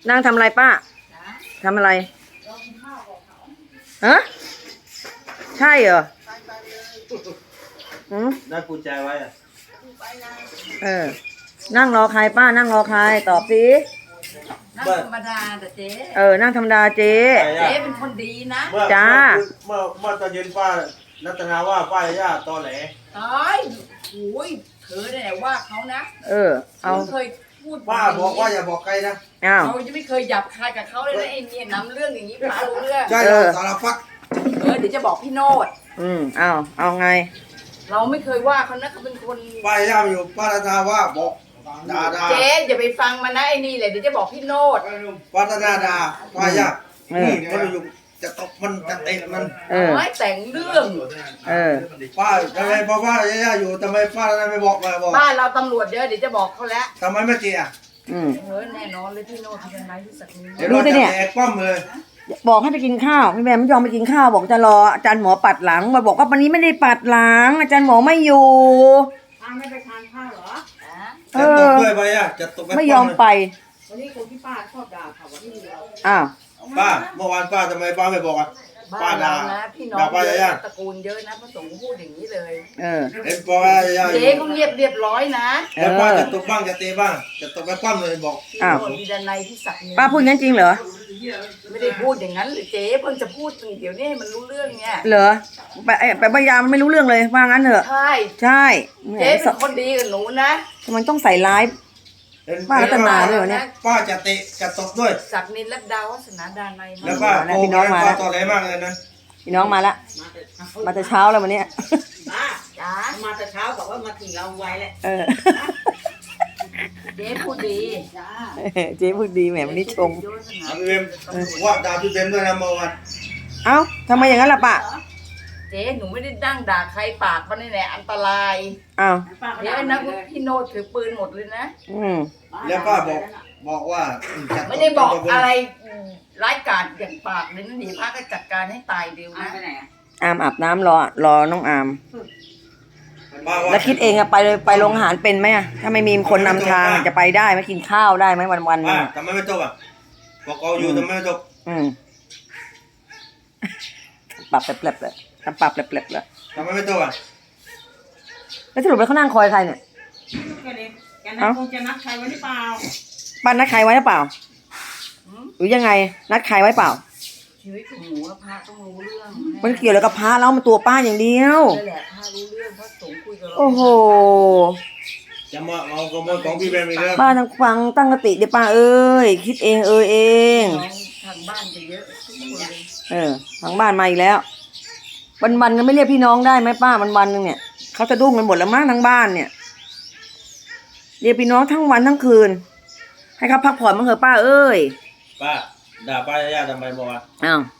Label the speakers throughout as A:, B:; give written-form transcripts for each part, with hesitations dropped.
A: นั่งทำอะไรป้าทำอะไรฮะใช่เหรอ
B: ได้กุญแจไว้อะ
A: นั่งรอใครป้านั่งรอใครตอบสิ
C: นั่งธรรมดาแต่เจ๊
A: นั่งธรรมดาเจ๊
C: เป็นคนดีนะ
A: จ้า
B: เมื่อตอนเย็นป้ารัตนาว่าป้าย่าตอแหล
C: ตายโอ้ยเธอเนี่ยว่าเขานะ
A: เอา
C: เคยพูด
B: ป้าบอกว่าอย่าบอกใครนะ
C: เราจะไม่เคยหยับคายกับเขาเลยนะไอ้เนี่ยนำเรื่องอย่างนี้พาเรื่อง
B: ใช่สารพัด
C: เดี๋ยวจะบอกพี่โนด
A: เอาไง
C: เราไม่เคยว่าเขานะเขาเป็นคน
B: ป้าย่าอยู่ป้ารัตนาว่าบอกด่า
C: เจ๊อย่าไปฟังมันนะไอ้นี่แหละเดี๋ยวจะบอกพี่โนด
B: ป้ารัตนาด่าป้าย่านี่มันอยู่จะตบมันจะเตะมัน
C: ไม่แต่งเรื่อง
B: ป้าทำไมป้าย่าอยู่ทำไมป้ารัตนาไม่บอก
C: บ้านเราตำรวจเยอะเดี๋ยวจะบอกเขาแล้ว
B: ทำไมไม่เจี๋ย
C: แน่นอนเลยพี่โนดเป็นไรที่สักนิด
A: ดูสิเนี่ย
B: ป้อมเลย
A: บอกให้ไปกินข้าวพี่แม่ไม่ยอมไปกินข้าวบอกจะรออาจารย์หมอปัดหลังมาบอกว่าวันนี้ไม่ได้ปัดหลังอาจารย์หมอไม่อยู่
C: ไม่ไปทานข้าวเหรอ
B: จะตกด้วยไปอ่ะจะตก
A: ไม่ยอมไป
C: วันนี้คนที่ป้าชอบด่าเขาวันนี้
B: ป้าเมื่อวานป้าทำไมป้าไม่บอกอ่ะ
C: ป้าด่านะพี่น้องตระกูลเยอะนะพระสงฆ์พูดอย่างนี้เลย
B: เห็นป้า
C: เจ๊เขาเรียบร้อยนะ
B: แล้วป้าจะตกบ้างจะเตะบ้างจะตกไปปั้มเลยบอก
C: มีด้านในที่สัก
A: ป้าพูดงั้นจริงเหรอ
C: ไม่ได้พูดอย่างนั้นหรือเจ๊เพิ่งจะพูดเดี๋ยวนี้มันรู้เรื่องเนี่ย
A: เหรอไปพยายามไม่รู้เรื่องเลยว่างั้นเถอะ
C: ใช่
A: เ
C: จ๊เป็นคนดีกับหนูนะ
A: มันต้องใส่ร้ายป้ารัตนาด้วยเนี่ย
B: ป้าจะเตะจะตบด้วย
C: ศักดิ์นินรัตดาวัฒนาดานใน
B: แล้วป้าพี่น้องมาแล้วต่อไหนมากเลยนะ
A: พี่น้องมาละมาแต่เช้าแล้ววันนี้
C: จ้ามาแต่เช้าบอกว่ามาถึงเราไวแหละเจ๊พูดดี
A: เจ๊พูดดีแหมวันนี้ชม
B: พี่เบมว่าด่าพี่เบมด้วยนะเมื่อวาน
A: ทำไมอย่างนั้นล่ะป้า
C: เจ๊หนูไม่ได้ดั้งด่าใครปากมันนี่แหละอันตรายเจ๊นะพี่โนดถือปืนหมดเลยนะ
B: แล้วป้าบอกว่า
C: ไม่ได้บอกอะไรร้ายกาจอย่างปากเลยนะเดี๋ยวป้าก็จัดการให้ตายเร็วนะ
A: อาบน้ำรอน้องอามแล้วคิดเองอะไปเลยไปโรงอาหารเป็นไหมอะถ้าไม่มีคนนำทางจะไปได้ไหมกินข้าวได้ไหมวัน
B: ๆทำไมไม่จบอะบอกเอาอยู่ทำไมไม่จบ
A: ปรับแปลบเลยปรับแปลบเลย
B: ทำไมไม่จบอะ
A: แล้วสรุปแล้วเขานั่งคอยใครเนี่ย
C: คงจะนัดใครไว้หรือเปล่า
A: บ้านนัดใครไว้หรือเปล่าหรือยังไงนัดใครไว้เปล่า
C: ชีวิตของหนูพระต้องรู้เรื่อง
A: มันเกี่ยวอะไรกับพระแล้วมันตัวป้าอย่างเดียว
C: นั่นแหละพระรู้เรื่องพระสงฆ์คุยกับเรา
A: โอ้โห
B: จะมาเอาขโมยของพี่แบมอีกแล้ว
A: ป้าต้องฟังตั้งสติเดี๋ยวป้าเอ้ยคิดเองเอง
C: ทางบ้านจะเยอะทุกคน
A: ทางบ้านมาอีกแล้ววันๆก็ไม่เรียกพี่น้องได้ไหมป้าวันนึงเนี่ยเขาจะดุ้งกันหมดแล้วมั้งทั้งบ้านเนี่ยเรียกพี่น้องทั้งวันทั้งคืนให้เขาพักผ่อนบ้างเถอะป้าเอ้ย
B: ป้าด่าป้าย่าทำไมบอกว่า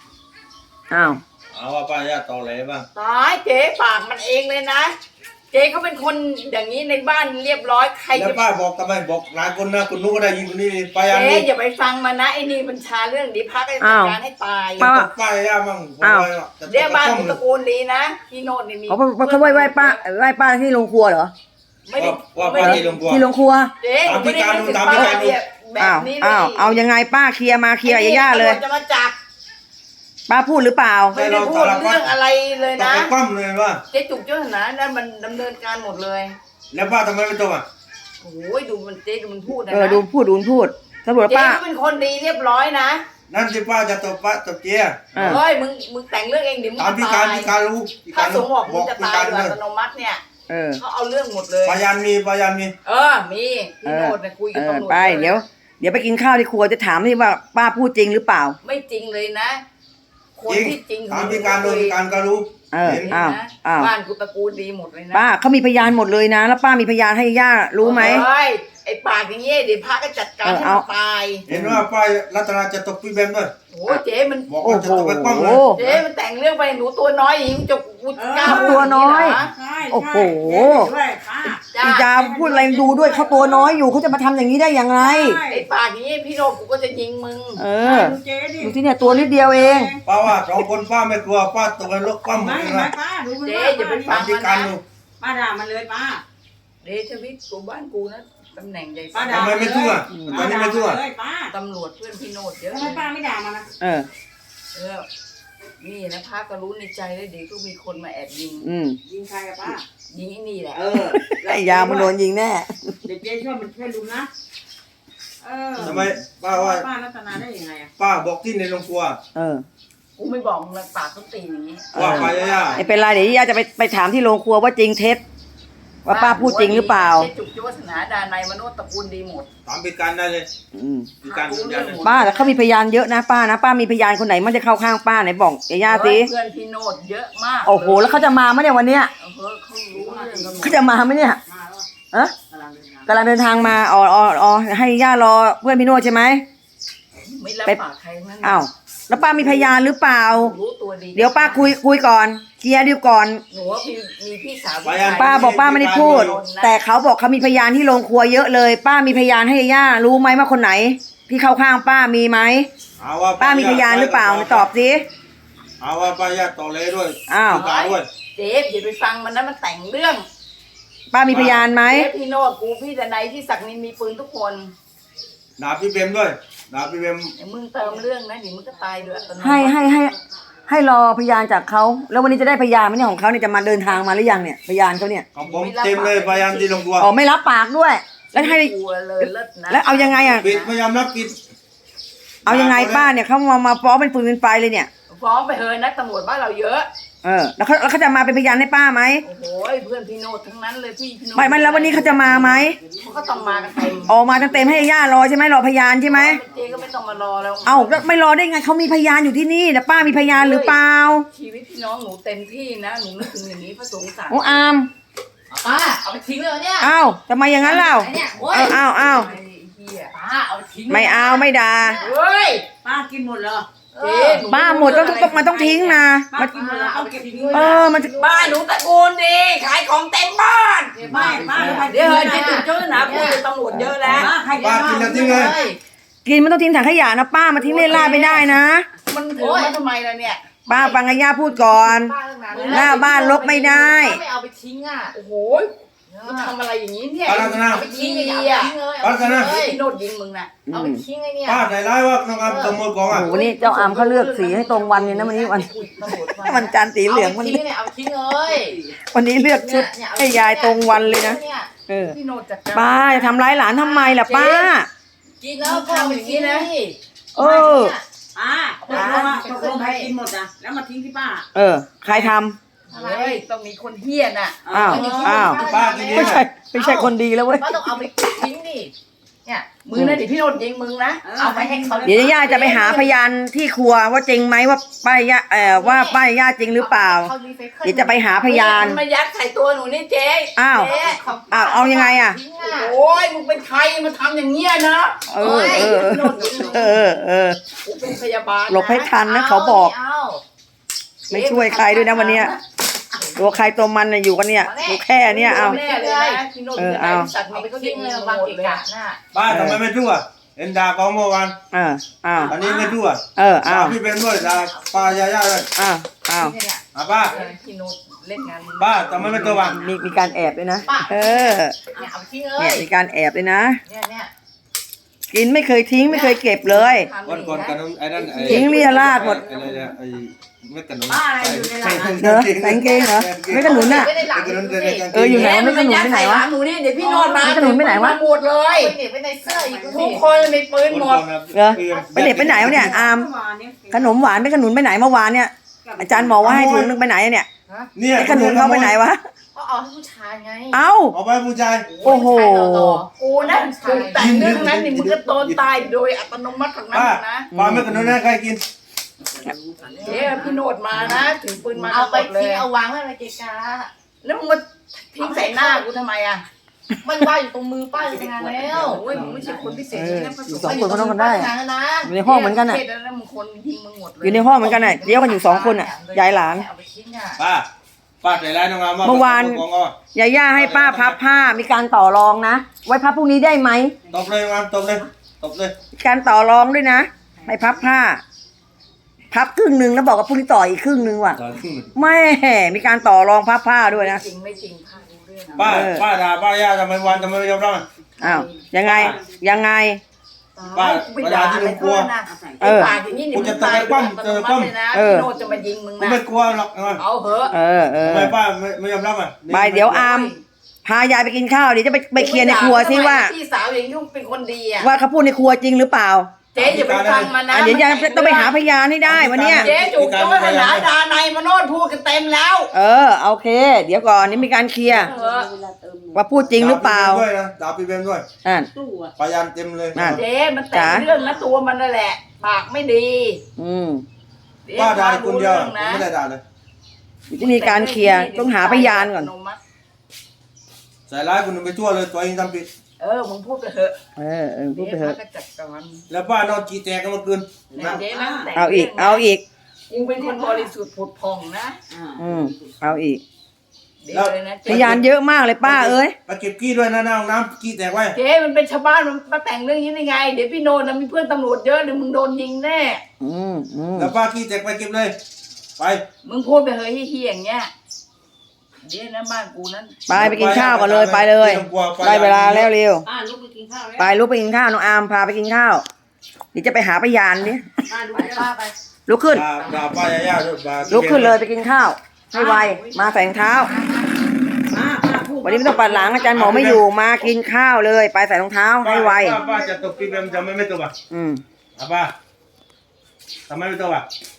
A: เอา
B: ว่าป้าย่าตอแหลบ้าง
C: ตายเจ๊ปากมันเองเลยนะเจ๊เขาเป็นคนอย่างนี้ในบ้านเรียบร้อยใคร
B: แล้วป้าบอกทำไมบอกหลายคนนะคุณนุ๊กก็ได้ยินคนนี้ป้าย่า
C: เจ๊อย่าไปฟังมันนะไอ้นี่มันชาเรื่องดีพักให้จัดการให้ตาย
B: ป้าย่ามั่ง
C: เรียกบ้านตระกูลดีนะพี่โนดนี่มี
A: เขาไหว้ป้าที่โรงครัวเหรอ
C: ไม่ได้
B: ว่าป้าที่โรงครัว
A: ที่โรงครัว
C: เจ๊ไม่ได้เป็นป้าแบบนี้
A: เอายังไงป้าเคลียร์มาเคลียร์ย่าเลย
C: จะมาจับ
A: ป้าพูดหรือเปล่า
C: ไม่ได้พูดเรื่องอะไรเลยนะ
B: ปั้มเลยว่า
C: เจ๊จุกเจ้าหน้านั่นมันดำเนินการหมดเลย
B: แล้วป้าทำไมไม่จบอ่ะ
C: โอ้ยดูมันเจ๊ดูมันพูดนะ
A: ดูพูดตำรวจป้า
C: เจ๊เป็นคนดีเรียบร้อยนะ
B: นั่นที่ป้าจะตบป้าตบเจี๊ย
C: เฮ้ยมึงแต่งเรื่องเองดิมึง
B: ตามพิการรู้
C: ถ้าสงบอกมึงจะตายโดยอัตโนมัติเนี่ยเขาเอาเรื่องหมดเลย
B: พยานมี
C: มีพี่โนดคุยกับตำรวจ
A: ไปเดี๋ยวไปกินข้าวที่ครัวจะถามที่ว่าป้าพูดจริงหรือเปล่า
C: ไม่จริงเลยนะคนที่จริง
B: ตามพิการโดยพิการก็รู้
C: บ้านกูตระกูลดีหมดเลยนะ
A: ป้าเขามีพยานหมดเลยนะแล้วป้ามีพยานให้ย่ารู้ไหม
C: ไอ้ปากอย่างเงี้ยเดี๋ยวพระก็จัดการให้มันตาย
B: เห็นว่าป้ารัตนาจะตบพี่แบมด้วย
C: โอ้เจ๊มัน
B: บอกว่าจะตบไปปั้มเลย
C: เจ๊มันแต่งเรื่องไปหนูตัวน้อยหญิงจุกก้าว
A: ตัวน้อยโอ้โหพี่ยาพูดอะไรดูด้วยเขาตัวน้อยอยู่เขาจะมาทำอย่างนี้ได้อย่างไร
C: ไอ้ปากอย่างนี้พี่โนกูก็จะยิงมึง
A: ดูที่เนี่ยตัวนิดเดียวเอง
B: ป้าว่า2 คนป้าไม่กลัวป้าตกไปลกปั้มเลยนะ
C: เจ๊อย่าไปฟังมันนะ
D: ป้าด่ามันเลยป้า
C: เดชวิทย์กูบ้านกูนะตำแหน่งใหญ่
D: ป้า
C: สุด
D: ด่า
B: ทำไมไม่สู้อ่ะตอนนี้ไม่สู้อ่ะ
D: เลยป้า
C: ตำรวจเพื่อนพี่โนดเยอะ
D: ทำไมป้าไม่ด่ามันนะ
A: เออ
C: นี่นะพระก็รู้ในใจแล้วเดี๋ยวก็มีคนมาแอบยิง
D: ยิงใครอะป้า
C: ยิงไอ้นี่แหละ
A: ไอ้ยามันโดนยิงแน่
D: เดี๋ยวเจ๊ช่วยมันช่วยลุงนะ
B: ทำไมป้าว่า
D: ป้ารัตนาได้ยังไงอะ
B: ป้าบอกที่ในโรงครัว
A: เออ
C: กูไม่บอกมึงปากต้องตีอย่างนี้
B: ว่าป้ายา
A: ไม่เป็นไรเดี๋ยวย่าจะไปถามที่โรงครัวว่าจริงเท็จว่าป้าพูดจริงหรือเปล่า
C: เจ๊จุกจุวัฒนาดานายมโนตระกูลดีหมด
B: ถามพิการได้เลย
A: อืม
B: พิการยืนยันเลย
A: ป้าแต่เขามีพยานเยอะนะป้านะป้ามีพยานคนไหนมันจะเข้าข้างป้าไหนบอกย่าสิ
C: เพื่อนพี่โนดเยอะมาก
A: โอ้โหแล้วเขาจะมาไหมเนี่ยวันเนี้ย
C: เขารู้เรื่องกันหมด
A: เขาจะมาไหมเนี่ย
D: มาแล้ว
A: เอะ
D: กำลังเดินทาง
A: กำลังเดินทางมาอ๋อให้ย่ารอเพื่อนพี่โนดใช่ไหม
C: ไม่รับปากใครนั่น
A: อ้าวแล้วป้ามีพยานหรือเปล่า
C: รู้ตัวดี
A: เดี๋ยวป้าคุยก่อนเคลียร์ดีก่อน
C: หนูว่ามีพี่สาว
A: ป้าบอกป้าไม่ได้พูด แต่เขาบอกเขามีพยานที่โรงครัวเยอะเลย ป้ามีพยานให้ย่ารู้ไหมว่าคนไหนที่เข้าข้างป้ามีไหม
B: เอาว่า
A: ป้ามีพยานหรือเปล่าตอบสิ
B: เอาว่าป้ายาต่อเลยด้วย
A: อ้าว
B: พิการด้วย
C: เจ๊อย่าไปฟังมันนะมันแต่งเรื่อง
A: ป้ามีพยานไหม
C: เจ๊พี่โนดกูพี่ดนัยพี่ศักดิ์นินมีปืนทุกคน
B: ด่าพี่เบมด้วยด่าพี่เบม
C: เดี๋ยวมึงเติมเรื่องนะเดี๋ยวมึงก็ตายด้วยอัตโนมัติ
A: ให้รอพยานจากเขาแล้ววันนี้จะได้พยานไหมเนี่ยของเขาเนี่ยจะมาเดินทางมาหรือยังเนี่ยพยานเขาเนี่ย
B: ของผมเต็มเลยพยานที่โรงครัว
A: อ๋อไม่รับปากด้วย แล้วให้
C: กลัวเลยเลิศนะ
A: แล้วเอายังไงอ่ะ
B: ปิดไม่ยอมรับปิด
A: เอายังไงป้าเนี่ยเขามาฟ้องเป็นปืนเป็นไฟเลยเนี่ย
C: ฟ้องไปเฮยนักตำรวจบ้านเราเยอะ
A: แล้วเขาจะมาเป็นพยานให้ป้าไหม
C: โอ้โหเพื่อนพี่โนดทั้งนั้นเลยพี่โนด
A: ไม่แล้ววันนี้เขาจะมาไหม
C: เขาก็ต้องมากันเต็ม
A: ออกมาเต็มให้ย่ารอใช่ไหมรอพยานใช่ไหม
C: เจ๊ก็ไม่ต้องมารอแล้ว
A: เอ้าแล้วไม่รอได้ไงเขามีพยานอยู่ที่นี่แต่ป้ามีพยานหรือเปล่า
C: ชีวิตพี่น้องหนูเต็มที่นะหนูนึกถึงอย่างนี้พระสงฆ์สั่ง
A: โอ้อาม
E: ป้าเอาไปทิ้งเลยเหรอเนี่ย
A: เอ้าทำไมอย่างนั้นเล่า
E: ไอ้เนี่ยโอ้ย
A: เอ้า
C: ไอ้เหี้ย
E: ป้าเอาไปทิ้งเลย
A: ไม่เอาไม่ด่า
C: เฮ้ย
D: ป้ากินหมดเหรอ
C: เจ๊นู
A: ป้าหมดมันต้องทิ้งนะ
D: ป้ากินหมดแล้วเอาเก็บทิ้งไว้
A: มันจะ
C: บ้านหนูตระกูลดีขายของเต็มบ้าน
D: ไม่ป้า
C: เดี๋ยวเฮ้ยเจ๊จุกเจ้าหนาพูดเป็นตำรวจเยอะแล้ว
D: ป้าใคร
B: ป้ากินแล้วทิ้งเลย
A: กินมันต้องทิ้งถังขยะนะป้ามาทิ้งเล่นล่าดไม่ได้นะ
C: มันถือมาทำไมล่ะเนี่ย
A: ป้าฟังอาย่าพูดก่อน
E: ป้าตั้งนาน
A: หน้าบ้านลบไม่ได้
E: ป้าไม่เอาไปทิ้งอ่ะ
C: โอ้โหมันทำอะไรอย่างนี้เนี่ย
B: ป้ารัตนา
E: เอาไปทิ้งเลยอย่าเอาไปทิ้งเลย
B: ป้ารัตนา
E: เอาไปทิ้งเลย
C: พี่โนดยิงมึงน่ะ
E: เอาไปทิ้งเลยเนี่ย
B: ป้าใจร้ายว่าน้องอามขโมยของอ่ะ
A: โอ้โหนี่เจ้าอามเขาเลือกสีให้ตรงวันเลยนะวันนี้วัน
C: ตำรวจมา
A: วันจันทร์สีเหลือง
E: เอา
A: วัน
E: ไป
A: นี้
E: ทิ้งเนี่ยเอาไปทิ้งเลย
A: วันนี้เลือกชุด
E: เนี่ย
A: ให้ยายตรงวันเลยนะเออ
C: พี่โนดจัดการ
A: ป้าจะทำร้ายหลานทำไมล่ะป้า
E: กินแล้วก็เอาไปทิ้งนะ
A: เออ
D: ป้าตกลงใครกินหมดอ่ะแล้วมาทิ้งที่ป้า
A: ใครทำ
C: เฮ้ยต้องมีคนเฮี้ยน่ะ
A: อ้าว
B: ป้ากินเย
A: ไม่
B: อะ
A: ใช่คนดีแล้วเว้ย
E: ป้าต้องเอาไปทิ้งดิเนี่ย
C: มึงนะเดี๋ยวพี่โนดยิงมึงนะ
E: เอาไปให้เขา
A: เดี๋ยวย่าจะไปหาพยานที่ครัวว่าจริงไหมว่าป้ายย่าว่าป้ายย่าจริงหรือเปล่า
E: เขารีไซเคิล
A: เดี๋ยวจะไปหาพยาน
C: มันมายัดใส่ตัวหนูนี่เจ๊
A: อ้าว
C: เจ๊
A: เอายังไงอ่ะ
E: ทิ้งอ่ะ
C: โอ้ยมึงเป็นใครมาทำอย่างเงี้ยนะ
A: เออ
C: กูเป็นพยาบาลนะ
A: หลบให้ทันนะเขาบอก
E: เอา
A: ไม่ช่วยใครด้วยนะวันเนี้ยตัวใครตัวมันน่ะอยู่กันเนี่ยดูแค่เนี้ยเอา
C: แน่เลยนะพี่โนด
A: เอา
C: สัตว์
E: เอา
C: นี่
E: ไป
C: ก็
E: ทิ้
C: ยิ
E: ง
C: ง
E: เล
C: เลย ย
E: วาง
C: หมด
E: เกะ
C: เลย
E: กะน่ะ
B: ป้าทำไมไม่ทั่วเอ็นด่าเขาเมื่อวาน
A: อ้าว
B: อันนี้ไม่ทั่ว
A: อ้า
B: ด่าว พี่เบมด้วยด่าป้ายาด้วย
A: อ้าว
E: เนี่ย
B: ป้า
C: พี่โนดเล่นงาน
B: ป้าทำไมไม่ตัววาง
A: มีการแอบด้วยนะเออ
E: เนี่ยเอาไปทิ้งเล
A: เนี่ย
E: ย
A: มีการแอบด้วยนะ
E: เนี่ย
A: กินไม่เคยทิ้งไม่เคยเก็บเลย
B: วันก่อนขนมไอ้นั่นไอ้
A: ทิ้งเรียราดหมด
B: ไอ้เนี่ยไอ้เม็ดขนม
D: ป้าอะไรอยู่ในร้าน
A: เหรอแต่งเกงเหรอไม่ขนุนน่ะ
E: ไม่ได้หลัง
B: ขนม
E: ดู
B: เด็
E: สิ
B: ก
A: อยู่ไหนวะไม่ขนุนไปไหนวะ
C: หนูนี่เดี๋ยวพี่โนดมา
A: ไม่ขนุนไปไหนวะ
C: หมดเลย
E: เก็บไว้ในเสื้ออีกดู
C: ทุ
E: สิ
C: กคนมีปืนหมด
A: เหรอไปเด็ดไปไหนวะเนี่ยอามขนมหวานไม่ขนุนไปไหนเมื่อวานเนี่ยอาจารย์บอกว่าให้ถุงนึงไปไหนเนี่ย
B: เนี่ย
A: ไอ้ขนุนเขาไปไหนวะ
E: ก็เอาให้ผู้ชายไง
A: เอ้า
B: เอาไปผู้ชาย
A: โอ้โห
C: กูนะถูกแต่งเรื่องนั้นนี่มึงก็โดนตายโดยอัตโนมัติของนั้น
B: ป้า
C: นะ
B: ป้าไม่ขนมนะใครกิน
C: เดี๋ยวพี่โนดมานะถือปืนมา
E: เอาไป
C: หมดเลย
E: ทิ้งเอาวางไว้ในเกะกะ
C: แล้วมึงมาทิ้งใส่หน้ากูทำไมอ่ะ
E: มันว่างอยู่ตรงมือป้าอยู่งานแล้ว
C: โอ้ยมึงไม่ใช่คนพิเศษนะพระสงฆ์
A: สองคนก็ต้องกันได้
E: งานแล้วนะ
A: อยู่ในห้องเหมือนกันอ่ะ
C: เทศแล้วมึงคนยิงมึงหมดเลย
A: อยู่ในห้องเหมือนกันน่ะเลี้ยวกันอยู่2คนอ่ะยายหลาน
E: เอาไปทิ้งอ่ะ
B: ป้าใจร้ายน้องอาม
A: เมื่อวาน ยาย่าให้ป้าพับผ้ามีการต่อรองนะไว้พับพรุ่งนี้ได้ไหม
B: ตบเลยน้องอามตบเลยตบเลย
A: มีการต่อรองด้วยนะให้พับผ้า พับครึ่งหนึ่งแล้วบอกว่าพรุ่งนี้ต่ออีกครึ่งหนึ่งว่ะแม่มีการต่อรองพับผ้าด้วยนะ
C: จริงไม่จริงพาดูเรื่อง
B: ป้าด่าป้าย่าทำไมวันทำไมไม่ยอมรับ
C: ท
A: อ้าวยังไงยังไง
B: ป้า
C: ไปด่าอะไรเพื่อนนะ
A: เออ
C: ปากอย่างนี้เดี๋ยว
B: กู
C: มึ
B: จะ
C: ง
B: ตา
C: ตาย ย
B: ปั้มเจอปั้ม
C: เลยนะ
A: เออ
C: พี่โนดจะมายิงมึง
B: กู
C: นะ
B: ไม่กลัวหรอก
C: เอาเหอะ
A: เออ
B: ทำไมป้าไม่ยอมรับอ่ะ
A: ไปเดี๋ยวอามพายายไปกินข้าวเดี๋ยวจะไปเคลียร์ในครัวสิว่า
C: พี่สาวอย่างนี้เป็นคนดีอ่ะ
A: ว่าเขาพูดในครัวจริงหรือเปล่า
C: เจ๊อย่าไปฟังมันนะ
A: อ่ะเดี๋ยวยายต้องไปหาพยานให้ได้วันเนี้ย
C: เจ๊จุกจ้อยมาหาดาในมาโนดพูดกันเต็มแล้ว
A: เออโอเค เดี๋ยวก่อนนี่มีการเคลียร์
C: เออ
A: ว่าพูดจริงหรือเปล่า
B: ด่าพี่เบมด้วย
A: อ่า
D: ตู้อ่ะ
B: พยานเต็มเลย
A: นั่น
C: เจ๊มันแต่งเรื่องนะตัวมันนั่นแหละ ปากไม่ดี
A: อืม
C: เจ๊
B: ป้าด่าคนเดียว
C: รู้รื่องนะ
B: ไม่ได้ด่าเลย
A: เดี๋ยวจะมีการเคลียร์ต้องหาพยานก่อน
B: ใส่ร้ายคนอื่นไปทั่วเลยตัวเองทำผิด
C: เออมึงพูดไปเถอะ
A: เออพูดไปเถอะ
C: จ๊ก็จัดการ
B: แล้วป้านอนจีแตกกันเมื่อคืนเห็นไหม
C: เจ๊แม่งแต่ง
A: เอาอีก
C: รื่งนะ
A: เอาอีก
C: มึงเป็นคนบริสุทธิ์ผุดผ่องนะ
A: เอาอีก
C: เดี๋ยวเลยนะ
A: พยานเยอะมากเลยป้าเอ้ย
B: ไปเก็บกี้ด้วยนะหน้าห้องน้ำกี้แตกไว้
C: เจ๊มันเป็นชาวบ้านมันมาแต่งเรื่องนี้ได้ไง เดี๋ยวพี่โนนนะมีเพื่อนตำรวจเยอะเดี๋ยวมึงโดนยิงแน่
B: แล้วป้ากี้แตกไปเก็บเลย ไป
C: มึงพูดไปเฮ้ยเฮี้ยอย่างเงี้ยเดี๋ยวนะบ้านกูนั้น
A: ไปกินข้าวก่อนเลยไปเลย ได้เวลาแล้วเร็ว
D: ป้าลุกไปกินข้าวแล้ว
A: ไปลุกไปกินข้าวน้องอามพาไปกินข้าวเดี๋ยวจะไปหาพยานดิ
D: ป้าลุก
E: ไป
D: ไป
E: ป้าไป
A: ลุกขึ้น
B: ด่าป้ายาด้วยด่า
A: ลุกขึ้นเลยไปกินข้าวให้ไวมาใส่รองเท้า
D: ป้าพูด
A: วันนี้ไม่ต้องปัดหลังอาจารย์หมอไม่อยู่มากินข้าวเลย ไปใส่รองเท้าให้ไว
B: ป้าจะตกพี่เบมจะไม่ตกอ่ะ
A: อืม
B: ป้าทำไมไม่ตกอ่ะ